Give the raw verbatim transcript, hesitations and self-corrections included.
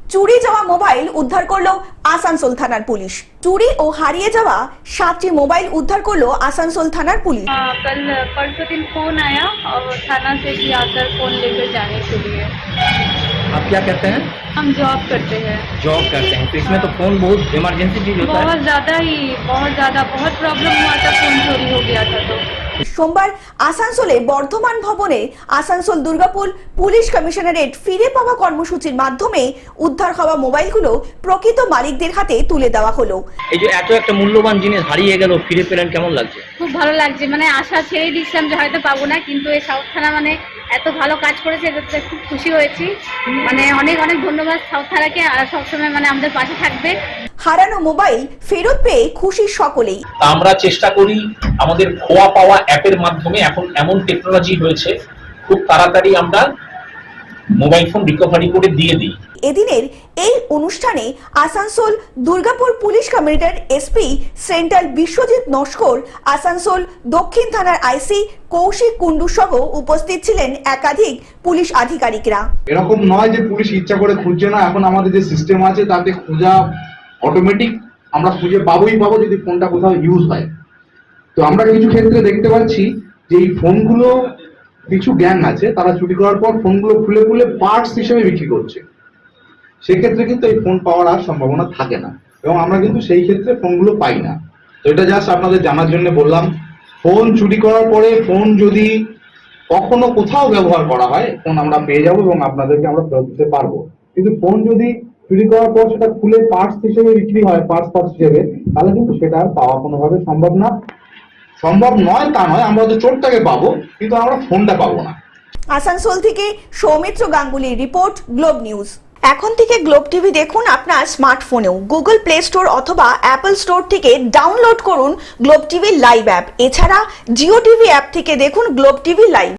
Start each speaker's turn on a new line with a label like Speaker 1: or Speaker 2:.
Speaker 1: চুরি যাওয়া মোবাইল উদ্ধার করলো আসানসোল থানার পুলিশ। চুরি ও হারিয়ে যাওয়া সাতটি মোবাইল উদ্ধার করলো আসানসোল থানার पुलिस।
Speaker 2: कल परसों दिन फोन आया और थाना से भी आकर फोन लेकर जाने के लिए।
Speaker 3: आप क्या करते हैं?
Speaker 2: हम जॉब करते हैं।
Speaker 3: जॉब करते हैं तो इसमें तो फोन बहुत इमरजेंसी चीज होता है।
Speaker 2: बहुत ज्यादा ही बहुत ज्यादा बहुत प्रॉब्लम हुआ था, फोन चोरी हो गया था। तो
Speaker 1: সোমবার আসানসোলে বর্ধমান ভবনে আসানসোল দুর্গাপুর পুলিশ কমিশনারেট ফিরে পাওয়া কর্মসূচির মাধ্যমে উদ্ধার হওয়া মোবাইলগুলো প্রকৃত মালিকদের হাতে তুলে দেওয়া হলো।
Speaker 3: এই যে এত একটা মূল্যবান জিনিস হারিয়ে গেল, ফিরে পেলেন, কেমন লাগছে?
Speaker 2: খুব ভালো লাগছে, মানে আশা ছেড়ে দিচ্ছিলাম যে হয়তো পাবো না, কিন্তু এই সাউথ থানা মানে এত ভালো কাজ করেছে, এটাতে খুব খুশি হয়েছি। মানে অনেক অনেক ধন্যবাদ সাউথ থানাকে, আর সবসময় মানে আমাদের পাশে থাকবে।
Speaker 1: হারানো মোবাইল ফেরত পেয়ে খুশি সকলেই।
Speaker 4: আমরা চেষ্টা করি আমাদের খোয়া পাওয়া অ্যাপের মাধ্যমে, এখন এমন টেকনোলজি হয়েছে খুব তাড়াতাড়ি আমরা মোবাইল ফোন রিকভারি করে দিয়ে দিই।
Speaker 1: এদিনের এই অনুষ্ঠানে Asansol Durgapur police commissioner SP central Biswajit Naskar, Asansol দক্ষিণ থানার আইসি কৌশিক কুন্ডু সহ উপস্থিত ছিলেন একাধিক পুলিশ আধিকারিকরা।
Speaker 5: এরকম নয় যে পুলিশ ইচ্ছা করে খুঁজছে না, এখন আমাদের যে সিস্টেম আছে তাতে খোঁজা অটোমেটিক, আমরা খুঁজে পাবোই পাবো যদি ফোনটা কোথাও ইউজ হয়। তো আমরা কিছু ক্ষেত্রে দেখতে পাচ্ছি যে এই ফোনগুলো কিছু গ্যাং আছে, তারা চুরি করার পর ফোনগুলো খুলে খুলে পার্টস হিসেবে বিক্রি করছে। সেক্ষেত্রে কিন্তু এই ফোন পাওয়ার আর সম্ভাবনা থাকে না, এবং আমরা কিন্তু সেই ক্ষেত্রে ফোনগুলো পাই না। তো এটা জাস্ট আপনাদের জানার জন্য বললাম। ফোন চুরি করার পরে ফোন যদি কখনো কোথাও ব্যবহার করা হয়, ফোন আমরা পেয়ে যাবো এবং আপনাদেরকে আমরা ফেরত দিতে পারবো। কিন্তু ফোন যদি চুরি করার পর সেটা খুলে পার্টস হিসেবে বিক্রি হয়, পার্টস পার্টস হিসেবে, তাহলে কিন্তু সেটা আর পাওয়া কোনোভাবে সম্ভব না। সম্ভব নয় তা নয়, আমরা তো চোরটাকে পাবো কিন্তু আমরা ফোনটা পাবো না।
Speaker 1: আসানসোল থেকে সৌমিত্র গাঙ্গুলির রিপোর্ট, গ্লোব নিউজ। এখন থেকে গ্লোব টিভি দেখুন আপনার স্মার্টফোনেও। গুগল প্লে স্টোর অথবা অ্যাপল স্টোর থেকে ডাউনলোড করুন গ্লোব টিভি লাইভ অ্যাপ। এছাড়া জিও টিভি অ্যাপ থেকে দেখুন গ্লোব টিভি লাইভ।